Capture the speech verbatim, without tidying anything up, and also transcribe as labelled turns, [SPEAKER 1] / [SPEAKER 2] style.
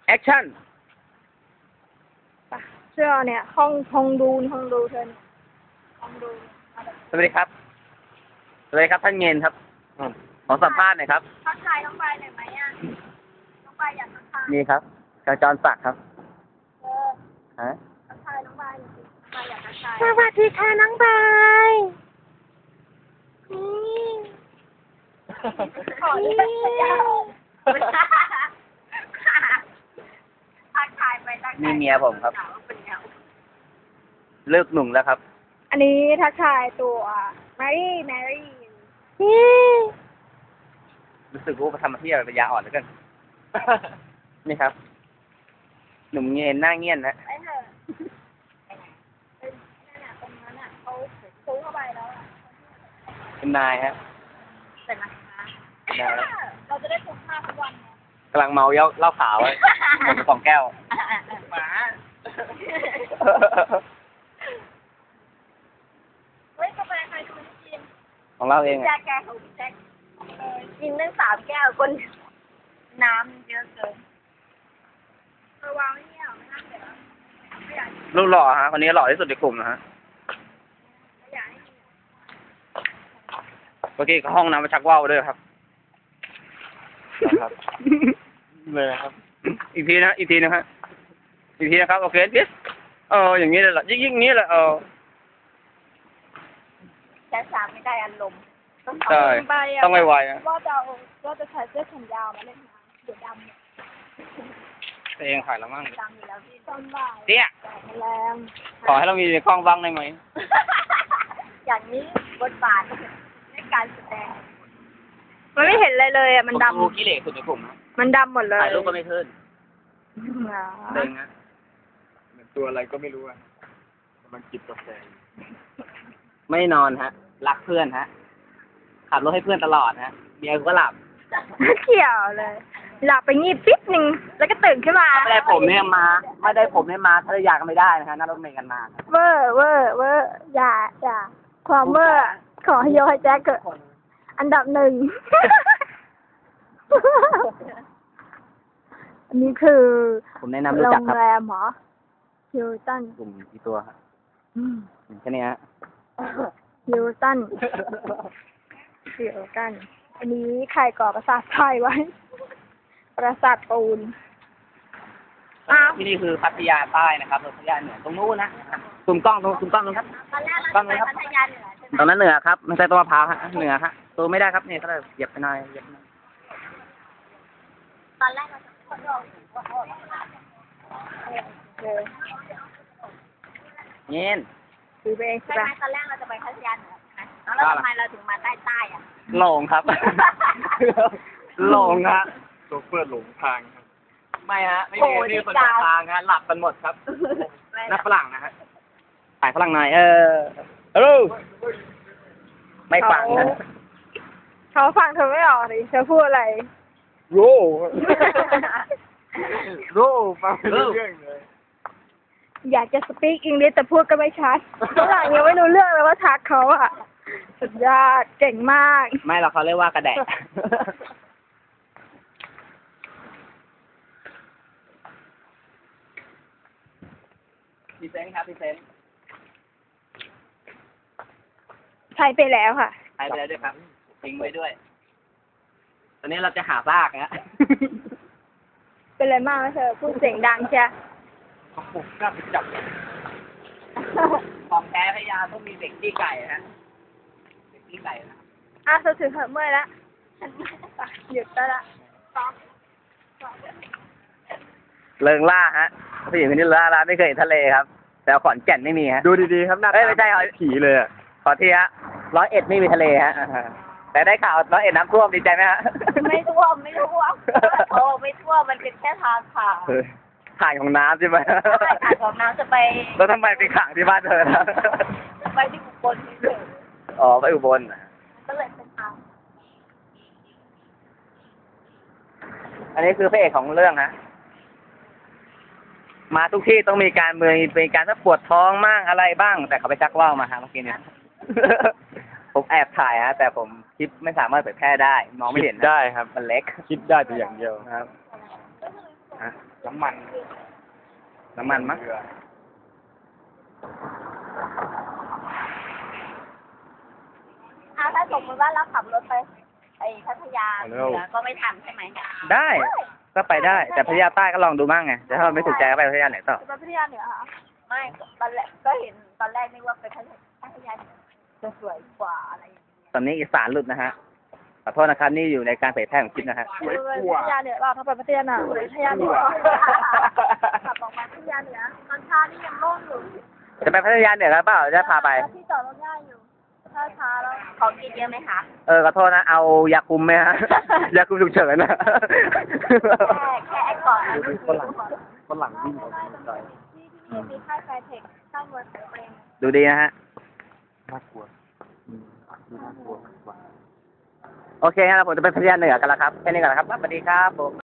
[SPEAKER 1] แอคชั่น
[SPEAKER 2] เชื่อเนี่ยห้องห้องดูนห้องดูเธอเนี่ยห้องดู
[SPEAKER 1] สวัสดีครับ สวัสดีครับท่านเงินครับอืมขอสัมภาษณ์หน่อยครับ
[SPEAKER 2] ทักทายน้องใบหน่อยไหมอ่ะน้องใบอยากทักทาย
[SPEAKER 1] นี่ครับกระจรศักดิ์ครับ
[SPEAKER 2] เออ
[SPEAKER 1] ฮะ
[SPEAKER 2] ทักทายน้องใบหน่อยสิน้องใบอยากทักทาย
[SPEAKER 3] สวัสดีค่ะน้องบายนี่
[SPEAKER 2] ขอเรียกสัญญาทักทายไปทักทาย
[SPEAKER 1] นี่เมียผมครับ
[SPEAKER 2] สาวเป็นไง
[SPEAKER 1] เลิกหนุ่มแล้วครับ
[SPEAKER 2] อันนี้ทักทายตัวแมรี่แมรี่
[SPEAKER 3] นี่
[SPEAKER 1] รู้สึกว่าทำมาที่ระยะอ่อนแล้วกัน นี่ครับ หนุ่มเงินหน้าเงียนนะ
[SPEAKER 2] ไปเถอะไปไหนไปนั่นน่ะตรงนั้นอ่ะเขาซูเข้าไปแล้วอ่ะ
[SPEAKER 1] เป็นนายฮะ
[SPEAKER 2] เสร็จนะคะ
[SPEAKER 1] ได้แล้ว
[SPEAKER 2] เราจะได้พกผ้าทุกวันไง
[SPEAKER 1] กำลังเมาเย้าเหล้าขาวไว้หมดไปสองแก้ว
[SPEAKER 2] หมา เฮ้ยกาแฟใครดูไม่กิน
[SPEAKER 1] ของเราเอง
[SPEAKER 2] แจ็
[SPEAKER 1] อะ
[SPEAKER 2] คแกของพี่แจ็คเออกินตั้งสามแก้วคนน้ำเยอะเกินเออวางไว้เนี่ยไม่น่าเสียไม่อยาก
[SPEAKER 1] รูปหล่อฮะคนนี้หล่อที่สุดในกลุ่มนะฮะ
[SPEAKER 2] ไม่อยากให้กิน
[SPEAKER 1] เมื่อกี้ห้องน้ำมาชักว่าวด้วยครับครับเลยครับ อีกทีนะอีกทีนะฮะอีกทีนะครับโอเคดิเอออย่างนี้เลยเหรอยิ่งยิ่งนี้แหละเออ
[SPEAKER 2] แจ็คสามไม่ได้อารมณ์ต้อง
[SPEAKER 1] ใช่
[SPEAKER 2] ไปะ
[SPEAKER 1] ต้องไวๆนะ
[SPEAKER 2] ว่าจะเอาว่าจะใส่เสื้อแขนยาวมาเล่นน้ำเดี๋ยวดำเนี่ย
[SPEAKER 1] ตัวเองขายแล้วมั่ง
[SPEAKER 2] ดำอยู่แล้วพี่ต้นบ่าย
[SPEAKER 1] เตี้ย
[SPEAKER 2] แดดมันแรง
[SPEAKER 1] ขอให้เรามีในกล้องบ้างได้ไหม
[SPEAKER 2] อย่างนี้บทบาทในการแสดงมันไม่เห็นอะไรเลยอ่ะมันด
[SPEAKER 1] ผมดูขี้เหร่สุดในกลุ่มนะ
[SPEAKER 2] ำมันดำหมดเลย
[SPEAKER 1] ถ่ายรูปก็ไม่ขึ้น
[SPEAKER 2] อ๋อ
[SPEAKER 1] เด้งนะ
[SPEAKER 4] เหมือนตัวอะไรก็ไม่รู้อ่ะกำลังจิบกาแฟ
[SPEAKER 1] ไม่นอนฮะ รักเพื่อนฮะ ขับรถให้เพื่อนตลอดฮะเมียกูก็หลับ
[SPEAKER 2] ไม่เกี่ยวเลย หลับไปงีบปิ๊บหนึ่งแล้วก็ตื่นขึ้นมา
[SPEAKER 1] ไม่ได้ผมเนี่ยมา ไม่ได้ผมเนี่ยมาภรรยาก็ไม่ได้นะฮะนั่งรถเมล์กันมาครับ
[SPEAKER 2] เวอร์เวอร์เวอร์อย่าอย่าความเวอร์ขอให้โยให้แจ็คเกิดอันดับหนึ่ง อันนี้คือ
[SPEAKER 1] ผมแนะนำรู้
[SPEAKER 2] โร
[SPEAKER 1] จัก
[SPEAKER 2] ง
[SPEAKER 1] ครับ
[SPEAKER 2] แรมเหรอฮิลตัน
[SPEAKER 1] กลุ่มกี่ตัวครับแค่นี้ฮะ
[SPEAKER 2] ฮิลตันฮิลตันอันนี้ใครก่อประสาทไฟไว้ ประสาทปูน อ้าว
[SPEAKER 1] ที่นี่คือพัทยาใต้นะครับพัทยาเหนือตรงนู้นนะซูมกล้องตรงซูมกล้องตรงครับ
[SPEAKER 2] ตอนแรกเรา
[SPEAKER 1] กล้อง
[SPEAKER 2] จะ
[SPEAKER 1] เลย
[SPEAKER 2] ไป
[SPEAKER 1] ครับ
[SPEAKER 2] พัทยาเหนือใช่ไหม
[SPEAKER 1] ตรงนั้นเหนือครับไม่ใช่ต้นมะพร้าวฮะเหนือฮะตัวไม่ได้ครับนี่เขาเลยเหยียบไปหน่อยเหยียบไปหน่อย
[SPEAKER 2] ตอนแรกเราจะคนเราเออ
[SPEAKER 1] เย็น
[SPEAKER 2] คือไปเองใช่ไหมตอนแรกเราจะไปพัทยาเหนือใช่ไหมแล้วทำไมเราถึงมาใต้ใต้ๆอ่ะ
[SPEAKER 1] หลงครับ หลงฮะ
[SPEAKER 4] โชเฟอร์หลงทางครับ
[SPEAKER 1] ไม่ฮะไม่มีไม่มีคนเดินทางฮะหลับกันหมดครับนักฝรั่งนะฮะถ่ายฝรั่งหน่อยเออฮัลโหลไม่ฟังนะ
[SPEAKER 2] เขาฟังเธอไม่ออกดิเธอพูดอะไร
[SPEAKER 4] โร่ โร่ฟังไม่รู้เรื่องเลย
[SPEAKER 2] อยากจะสปีกอังกฤษแต่พูดก็ไม่ชัดฝรั่งยังไม่รู้เรื่องเลยว่าทักเขาอ่ะ สุดยอดเก่งมาก
[SPEAKER 1] ไม่หรอกเขาเรียกว่ากระแดะ พรีเซนต์ครับพรีเซนต์
[SPEAKER 2] ใช้ไปแล้วค่ะ
[SPEAKER 1] ใช้ไปแล้วด้วยครับทิ้งไว้ด้วย ตอนนี้เราจะหาซากนะ
[SPEAKER 2] เป็นอะไรมากไหมเธอพูดเสียงดังใช่
[SPEAKER 4] เขาปลุกกล้าไปจับ
[SPEAKER 1] ของแท้พยาต้องมีเด็กที่ไก่ฮะเด็กที่ไก่นะ
[SPEAKER 2] อ่ะเธอถือเถอะเมื่อยละหยุดได้ละซ้อม
[SPEAKER 1] เริงล่าฮะผู้หญิงคนนี้เริงล่าไม่เคยเห็นทะเลครับ แต่ขอนแก่นไม่มีฮะ
[SPEAKER 4] ดูดีๆครับหน้า
[SPEAKER 1] เอ้ยไม่ใช่เหรอ
[SPEAKER 4] ผีเลยอ่ะ
[SPEAKER 1] ขอทีฮะร้อยเอ็ดไม่มีทะเลฮะ แต่ได้ข่าวร้อยเอ็ดน้ำท่วมดีใจไหมฮะ
[SPEAKER 2] ไม่ท่วมไม่ท่วมโอ้ไม่ท่วมมันเป็นแค่ทางผ่าน
[SPEAKER 1] ถ่ายของน้ำใช่ไหม
[SPEAKER 2] ใช่ค่ะของน้ำจะไป
[SPEAKER 1] แล้วทำไมไปขังที่บ้านเธอนะ
[SPEAKER 2] ไปที่อุบลนี่เลย
[SPEAKER 1] อ๋อไปอุบลน่ะ
[SPEAKER 2] ก็เลยเป็นทาง
[SPEAKER 1] อันนี้คือพระเอกของเรื่องฮะ มาทุกที่ต้องมีการเมืองมีการถ้าปวดท้องมั่งอะไรบ้าง แต่เขาไปชักว่าวมาฮะเมื่อกี้เนี่ย ผมแอบถ่ายฮะ แต่ผมคลิปไม่สามารถเผยแพร่ได้มองไม่เห็นนะ
[SPEAKER 4] ได้ครับ
[SPEAKER 1] มันเล็ก
[SPEAKER 4] คิดได้แต่อย่างเดียว
[SPEAKER 1] ครับฮะ
[SPEAKER 4] น้ำมัน
[SPEAKER 1] น้ำมันมั้ง
[SPEAKER 4] เรือ
[SPEAKER 3] อ่าถ้าสมมติว่าเราขับรถไปไอ้พัทยาเหนือก็ไม่ทันใช่ไหม
[SPEAKER 1] ได้ ก็ไปได้ แต่พัทยาใต้ก็ลองดูบ้างไงแต่ถ้าเราไม่ถูกใจก็ไปพัทยาเหนือต่อ
[SPEAKER 2] จะไปพัทยาเหนือค่ะ
[SPEAKER 3] ไม่ตอนแรกก็เห็นตอนแรกนึกว่าไปพัทยาพัทยาเหนือจะสวยกว่าอะไรอย่างเงี้ย
[SPEAKER 1] ตอนนี้อีสานหลุดนะฮะ ขอโทษนะครับ นี่อยู่ในการเผยแพร่ของคลิปนะฮะ
[SPEAKER 2] ไปพัทยาเหนือเราถ้าไปพัทยาเหนือไปพัทยาเหนือขับออกมาพัทยาเหนือตอนเช้านี่ยังโล่งอยู่
[SPEAKER 1] จะไปพัทยาเหนือกันเปล่าจะพาไป
[SPEAKER 2] ที่จอดรถง่ายอยู่ถ้าช้าแล้ว
[SPEAKER 3] ของกินเยอะไหมคะ
[SPEAKER 1] เออขอโทษนะ เอายาคุมไหมฮะ ยาคุมฉุกเฉินนะ
[SPEAKER 3] แค่แค่ไอ้ก่อน
[SPEAKER 4] ดูฝรั่งฝรั่งวิ่งออกมาไกล
[SPEAKER 2] ที่ที่นี่มีค่ายแฟร์เทคค่ายมวยของเอง
[SPEAKER 1] ดูดีนะฮะ
[SPEAKER 4] น่ากลัวอืมดูน่ากลัวมากกว่า
[SPEAKER 1] โอเคงั้นเราผมจะไปพัทยาเหนือกันแล้วครับ แค่นี้ก่อนนะครับ สวัสดีครับผม